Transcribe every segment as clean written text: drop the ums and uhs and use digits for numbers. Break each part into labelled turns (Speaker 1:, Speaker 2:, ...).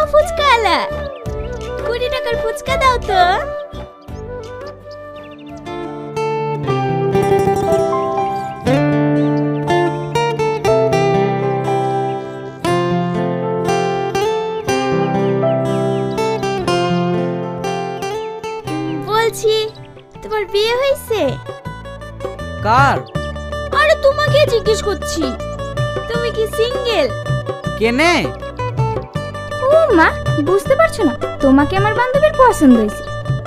Speaker 1: ফুচকাওয়ালা, 20 টাকার ফুচকা দাও তো। বলছি তোমার বিয়ে হয়েছে?
Speaker 2: কার?
Speaker 1: আরে তোমাকে জিজ্ঞেস করছি, তুমি কি সিঙ্গেল?
Speaker 2: কেনে?
Speaker 1: ও মা, বুঝতে পারছো না? তোমাকে আমার বান্ধবীর পছন্দ হয়েছে।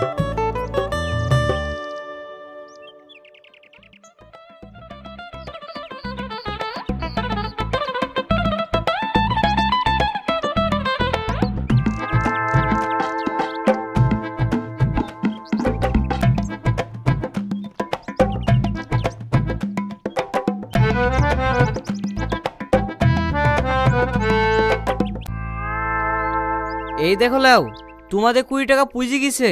Speaker 2: এই দেখো লাও, তোমাদের 20 টাকা পুঁজি গেছে।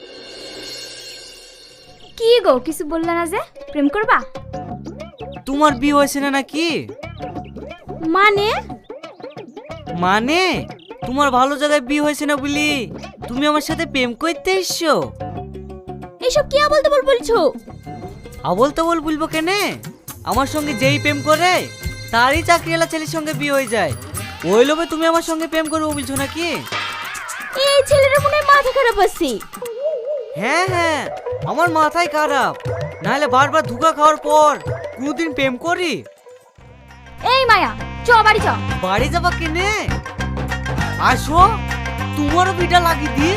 Speaker 1: কি গো, কিছু বললে না যে? প্রেম করবা?
Speaker 2: তোমার বিয়ে হয়েছে না নাকি?
Speaker 1: মানে?
Speaker 2: মানে তোমার ভালো জায়গায় বিয়ে হয়েছে না বলি তুমি আমার সাথে প্রেম করতে এসছো?
Speaker 1: এসব কি বলতে বলছো?
Speaker 2: আবল তাবল বলবো কেনে? আমার সঙ্গে যেই প্রেম করে তারই চাকরিওয়ালা ছেলের সঙ্গে বিয়ে হয়ে যায়। ওই লোভে তুমি আমার সঙ্গে প্রেম করবো বলছো নাকি?
Speaker 1: এই ছেলেটা মনে হয় মাথা খারাপ আছে।
Speaker 2: হ্যাঁ হ্যাঁ, আমার মাথায় খারাপ, নাহলে বারবার ধোঁকা খাওয়ার পর কোনদিন প্রেম করি?
Speaker 1: এই মায়া, চ বাড়ি চ।
Speaker 2: বাড়ি যাবা কেনে? আসো, তোমারও বিটা লাগিয়ে দি।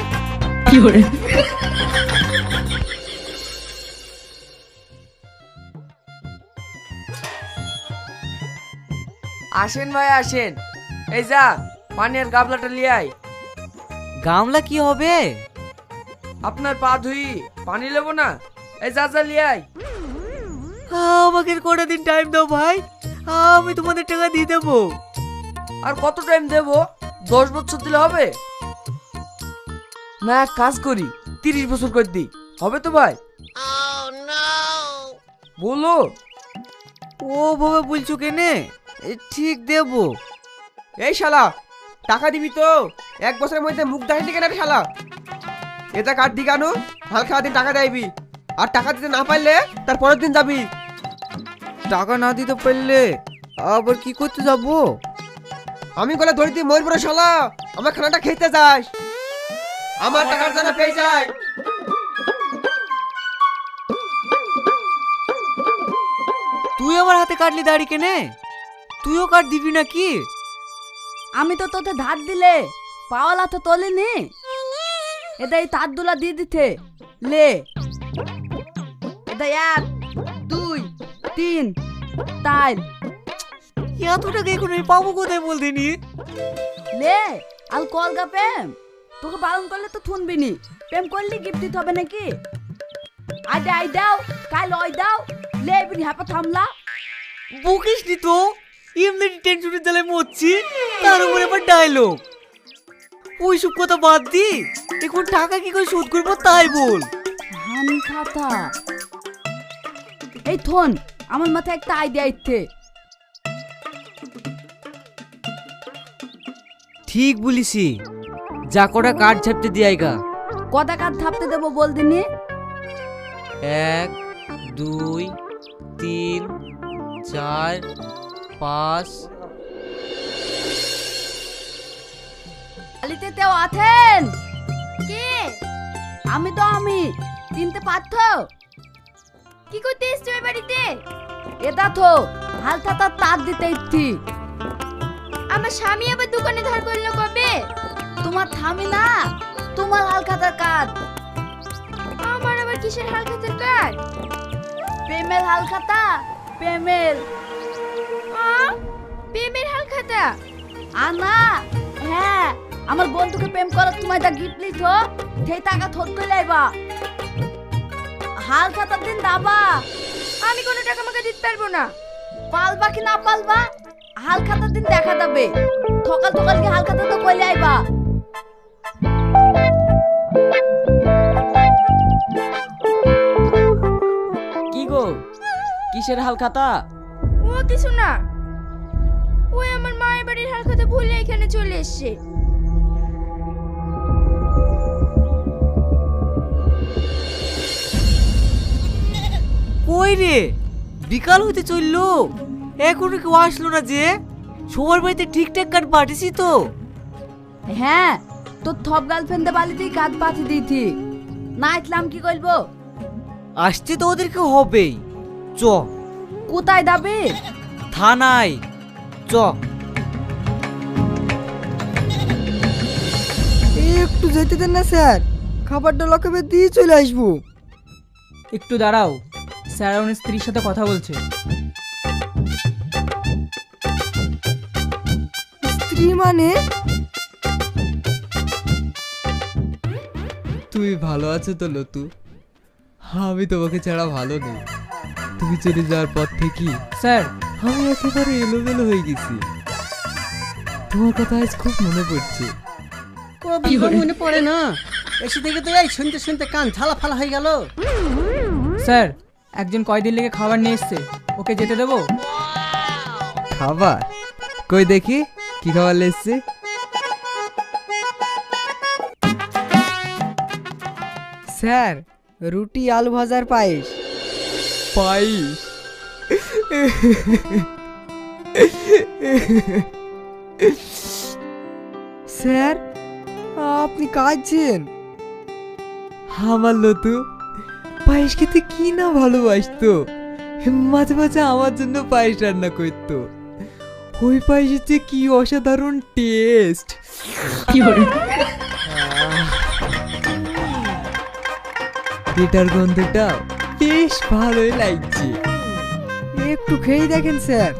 Speaker 3: আসেন ভাই আসেন, এই যা পানি আর গাবলাটা লিয়ে আয়।
Speaker 2: গামলা কি হবে?
Speaker 3: আপনার পা ধুই, পানি নেবো না? এই যা যা লিয়ে আয়।
Speaker 2: আমাকে কটা দিন টাইম দাও ভাই, আমি তোমাদের টাকা দিয়ে দেবো।
Speaker 3: আর কত টাইম দেবো? 10 বছর দিলে হবে না? এক কাজ করি, 30 বছর করে দিই, হবে তো ভাই? বলো।
Speaker 2: ও বাবা বলছো কেনে? ঠিক দেবো।
Speaker 4: এই শালা, টাকা দিবি তো? 1 বছরের মধ্যে মুখ দেখাইনি কেন রে শালা? এটা কার দি কেন? হালকা দিন টাকা দেবি, আর টাকা দিতে না পারলে তার পরের দিন যাবি।
Speaker 2: টাকা না দিতে পারলে আবার কি করতে যাবো?
Speaker 4: আমি গলা ধরে দিয়ে মরবো রে শালা, আমার খানাটা খেতে যাস, আমার টাকার জন্য পেয়ে যায়।
Speaker 2: তুই আমার হাতে কাটলি দাড়ি কেনে? তুইও কাট দিবি নাকি?
Speaker 5: আমি তো তোতে ধার দিলে পাওয়ালা তো তোলেনি, এটা এই তার দুলা দিয়ে দিতে লে। এটা 1 2 3 4
Speaker 2: এত টাকা এখন আমি পাবো কোথায় বল দিনি?
Speaker 5: লে। আল কল গা প্রেম, তোকে বারণ করলে তো শুনবি নি। প্রেম করলি গিফট দিতে হবে নাকি? আই দাও, কাল ওই দাও, লে বিনি হাপা থামলা।
Speaker 2: বকিস নি তো, এমনি টেনশনের জ্বালায় মরছি, তার উপরে আবার ডায়লগ। ওইসব কথা বাদ দি, এখন টাকা কি করে শোধ করবো তাই বল।
Speaker 5: হানি খাতা। এই থন, আমার মাথায় একটা আইডিয়া ইচ্ছে।
Speaker 2: ঠিক বলিসি, যা কটা কাঠ ঝাপতে দিয়াইগা।
Speaker 5: কটা কাঠ থাপতে দেবো বল দিনি?
Speaker 2: 1 2 3 4 5।
Speaker 5: আলিতে তেও আছেন?
Speaker 1: কে?
Speaker 5: আমি তো আমি, চিনতে পারছ?
Speaker 1: কি করতে এসছো এই বাড়িতে?
Speaker 5: এটা তো হালকা তার দিতে ইচ্ছি।
Speaker 1: আমার স্বামী আবার দোকানে ধার করলো কবে?
Speaker 5: তোমার থামি না, তোমার হালখাতার কাজ।
Speaker 1: আমার আবার কিসের হালখাতার কাজ?
Speaker 5: প্রেমের হালখাতা, প্রেমের।
Speaker 1: প্রেমের হালখাতা?
Speaker 5: আনা, হ্যাঁ, আমার বন্ধুকে প্রেম করার তোমায় যা গিফট লিছ, সেই টাকা থোট করে লাইবা। হালখাতার দিন দাবা।
Speaker 1: আমি কোনো টাকা আমাকে দিতে পারবো না।
Speaker 5: পালবা কি না পালবা, হালখাতার দিন দেখা যাবে। সকাল সকাল কি হালখাতা তো কইলে আইবা।
Speaker 3: কি গো, কিসের হাল খাতা?
Speaker 1: ও কিছু না, ওই আমার মায়ের বাড়ির হালখাতা ভুলে এখানে চলে এসেছে।
Speaker 2: কই রে, বিকাল হতে চললো, এখনো কেউ আসলো না যে? সবার বাড়িতে ঠিকঠাক কাঠ পাঠিয়েছি তো?
Speaker 5: হ্যাঁ, তোর থপ গার্লফ্রেন্ডে বালিতেই কাজ পাঠিয়ে দিয়েছি। না ইসলাম কি করবো?
Speaker 2: আসতে তো ওদেরকে হবেই। চ
Speaker 5: কোথায় যাবে?
Speaker 2: থানায় চ।
Speaker 6: একটু যেতে দেন না স্যার, খাবারটা লকাবে দিয়ে চলে আসবো।
Speaker 7: একটু দাঁড়াও, স্যার ওনার স্ত্রীর সাথে কথা বলছে।
Speaker 6: স্ত্রী মানে?
Speaker 8: তুমি ভালো আছো তো লতু? আমি তোমাকে ছাড়া ভালো নেই। তুমি চলে যাওয়ার পর থেকে
Speaker 7: স্যার,
Speaker 8: আমি একেবারে এলোমেলো হয়ে গেছি। তোমার কথা আজ খুব মনে পড়ছে।
Speaker 9: কবি মনে পড়ে না, এসে থেকে তো এই শুনতে শুনতে কান ঝালা ফালা হয়ে গেল।
Speaker 7: স্যার একজন কয়দিন লেগে খাবার নিয়ে এসছে, ওকে যেতে দেবো?
Speaker 8: খাবার? কই দেখি কি খাবার লেসছে।
Speaker 6: স্যার, রুটি আলু ভাজার পায়েস।
Speaker 8: পায়েস?
Speaker 6: স্যার, আপনি কাঁদছেন?
Speaker 8: আমার লতু পায়েস খেতে কি না ভালোবাসতো। মাঝে মাঝে আমার জন্য পায়েস রান্না করতো। ওই পায়েসের যে কি অসাধারণ টেস্ট। এটার গন্ধটা বেশ ভালোই লাগছে।
Speaker 6: একটু খেয়ে দেখেন স্যার।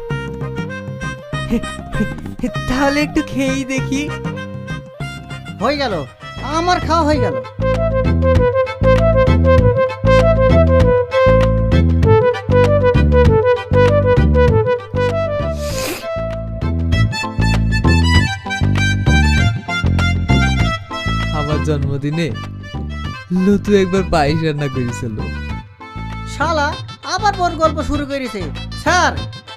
Speaker 8: তাহলে একটু খেয়েই দেখি।
Speaker 9: হয়ে গেল, আমার খাওয়া হয়ে গেল।
Speaker 8: আমার জন্মদিনে লতু একবার পায়েস রান্না করেছিল।
Speaker 9: শালা আবার বড় গল্প শুরু করেছে। স্যার,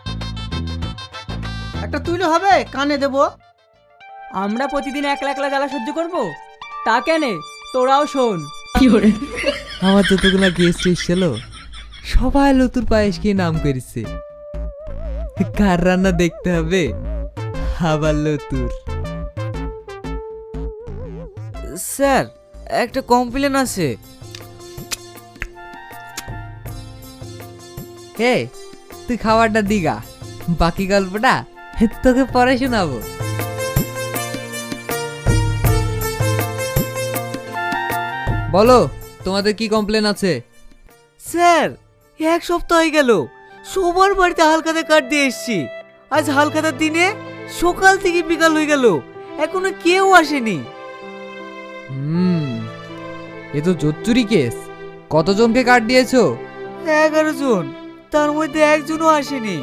Speaker 9: একটা তুইলে হবে, কানে দেবো।
Speaker 7: আমরা প্রতিদিন একলা একলা জ্বালা সহ্য করব? তা কেনে, তোরাও শোন।
Speaker 8: আমার যতগুলা গেস্ট এসেছিল সবাই লতুর পায়েস খেয়ে নাম করেছে। কার রান্না দেখতে হবে? আবার লতুর।
Speaker 2: স্যার, একটা কমপ্লেন আছে।
Speaker 8: হে, তুই খাবারটা দিগা, বাকি গল্পটা তোকে পরে শোনাবো। বলো, তোমাদের কি কমপ্লেন আছে?
Speaker 2: স্যার, এক সপ্তাহ হয়ে গেল সবার বাড়িতে হালখাতা কাঠ দিয়ে এসছি। আজ হালখাতার দিনে সকাল থেকে বিকাল হয়ে গেল, এখনো কেউ আসেনি।
Speaker 8: এ তো জোচ্চুরি কেস। কতজনকে কার্ড দিয়েছো?
Speaker 2: 11 জন, তার মধ্যে একজনও আসেনি।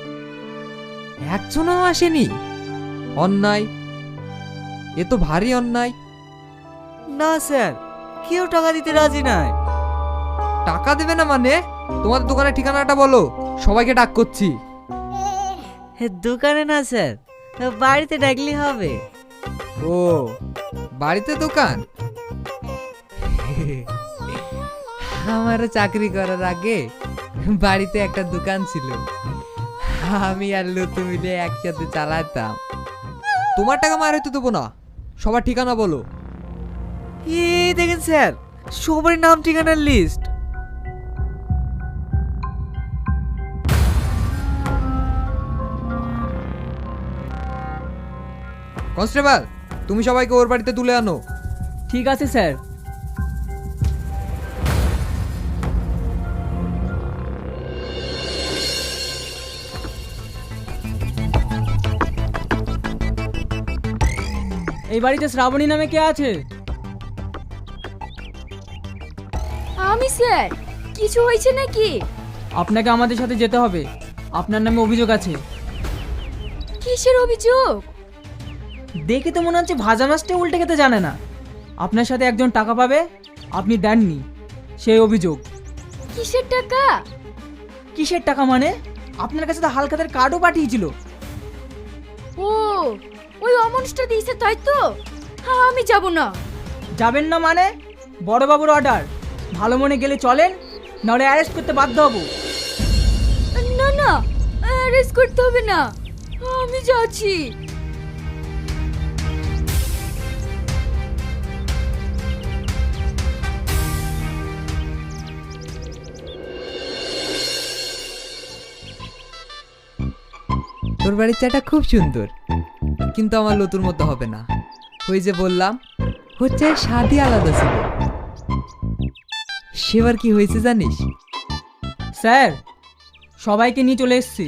Speaker 8: একজনও আসেনি? অন্যায়, এ তো ভারী অন্যায়।
Speaker 2: না স্যার, কেউ টাকা দিতে রাজি নাই।
Speaker 8: টাকা দেবে না মানে? তোমাদের দোকানের ঠিকানাটা বলো, সবাইকে ডাক করছি।
Speaker 2: দোকানে না স্যার, বাড়িতে ডাকলে হবে।
Speaker 8: ও, বাড়িতে দোকান? আমারও চাকরি করার আগে বাড়িতে একটা দোকান ছিল, আমি আর লতু মিলে একসাথে চালাতাম। তোমার টাকা মার হইতে দেবো না, সবার ঠিকানা বলো।
Speaker 2: এই দেখেন স্যার, সবার নাম ঠিকানার লিস্ট।
Speaker 8: কনস্টেবল, তুমি সবাইকে ওর বাড়িতে তুলে আনো।
Speaker 7: ঠিক আছে স্যার। এই বাড়িতে শ্রাবণী নামে কে আছে?
Speaker 1: আমি স্যার, কিছু হয়েছে নাকি?
Speaker 7: আপনাকে আমাদের সাথে যেতে হবে, আপনার নামে অভিযোগ আছে।
Speaker 1: কিসের অভিযোগ?
Speaker 7: দেখে তো মনে হচ্ছে ভাজা মাছটা উল্টে খেতে জানে না। আপনার সাথে একজন টাকা পাবে, আপনি দেননি, সেই অভিযোগ।
Speaker 1: কিসের টাকা?
Speaker 7: কিসের টাকা মানে? আপনার কাছে তো হালখাতার কার্ডও পাঠিয়েছিল।
Speaker 1: ও, ওই অমানুষটা দিয়েছে তাই তো? হ্যাঁ, আমি যাব না।
Speaker 7: যাবেন না মানে? বড়বাবুর অর্ডার, ভালো মনে গেলে চলেন, নাহলে অ্যারেস্ট করতে বাধ্য হব।
Speaker 1: অ্যারেস্ট করতে হবে না, আমি যাচ্ছি।
Speaker 8: তোর বাড়ির চাটা খুব সুন্দর, কিন্তু আমার লতুর মতো হবে না। ওই যে বললাম, হচ্ছে স্বাদই আলাদা ছিল। সেবার কি হয়েছে জানিস?
Speaker 7: স্যার, সবাইকে নিয়ে চলে এসেছি।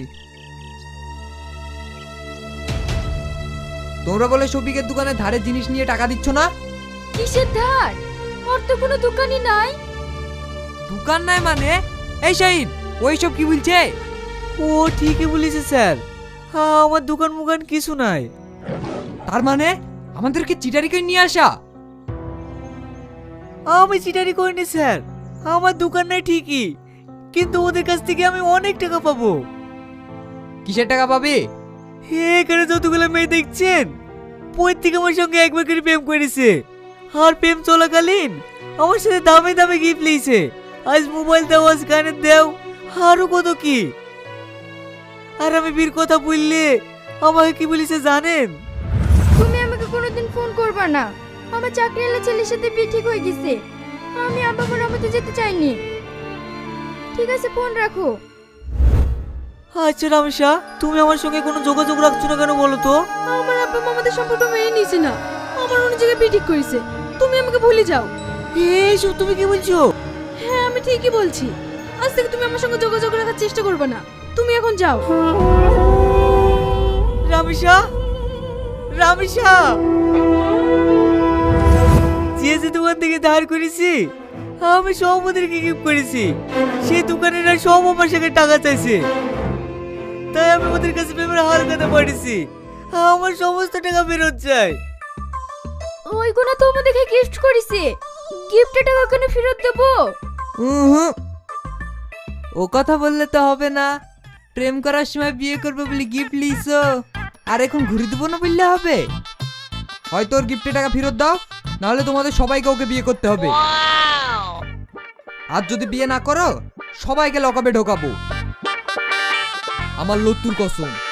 Speaker 8: তোমরা বলে শফিকের দোকানে ধারে জিনিস নিয়ে টাকা দিচ্ছ না?
Speaker 1: কিসের ধার? ওর তো কোনো দোকানই নাই।
Speaker 8: দোকান নাই মানে? এই শাহিন, ওইসব কি বলছে?
Speaker 2: ও ঠিকই বলেছে স্যার, আমার দোকান মুকান কিছু নাই।
Speaker 8: তার মানে আমাদেরকে চিটারি করে নিয়ে আসা?
Speaker 2: আমি চিটারি করিনি স্যার, আমার দোকান নাই ঠিকই, কিন্তু ওদের কাছ থেকে আমি অনেক টাকা পাবো।
Speaker 8: কিসের টাকা পাবে?
Speaker 2: এখানে যতগুলো মেয়ে দেখছেন, প্রত্যেক আমার সঙ্গে একবার করে প্রেম করেছে, আর প্রেম চলাকালীন আমার সাথে দামে দামে গিফট লিয়েছে। আজ মোবাইল দাও, আজ গানের দাও, আরো কত কি। আর আমি বীর কথা বললে আমাকে কি বলেছে জানেন?
Speaker 1: তুমি আমাকে কোনোদিন ফোন করবা না, আমার চাকরিওয়ালা ছেলের সাথে বিয়ে ঠিক হয়ে গেছে, আমি আব্বা মার আমাদের যেতে চাইনি। ঠিক আছে, ফোন রাখো।
Speaker 2: আচ্ছা রামেশা, তুমি আমার সঙ্গে কোনো যোগাযোগ রাখছো না কেন বলো তো?
Speaker 1: আমার আব্বা মা আমাদের সম্পর্ক মেনে নিয়েছে না, আমার অন্য জায়গায় বিয়ে ঠিক করেছে। তুমি আমাকে ভুলে যাও।
Speaker 2: এইসব তুমি কি বলছো?
Speaker 1: হ্যাঁ, আমি ঠিকই বলছি। আজ থেকে তুমি আমার সঙ্গে যোগাযোগ রাখার চেষ্টা করবে না, তুমি এখন যাও।
Speaker 2: রামেশা, রামেশা, যে দোকান থেকে ধার করেছি আমি সব ওদেরকে গিফট করেছি, সেই দোকানেরা সব আমার সঙ্গে টাকা চাইছে, তাই আমি ওদের কাছে পেমেন্ট হার কথা পাঠিয়েছি। আমার সমস্ত টাকা ফেরত চাই।
Speaker 1: ওইগুলো তো আমাদেরকে গিফট করেছে, গিফটের টাকা কেন ফেরত দেবো?
Speaker 8: ও কথা বললে তো হবে না। প্রেম করার সময় বিয়ে করবে বলে গিফট লিছো, আর এখন ঘুরে দেবো না বললে হবে? হয়তো ওর গিফটের টাকা ফেরত দাও, নাহলে তোমাদের সবাইকে ওকে বিয়ে করতে হবে। আর যদি বিয়ে না করো, সবাইকে লকআপে ঢোকাবো। আমার লত্তুর কসম।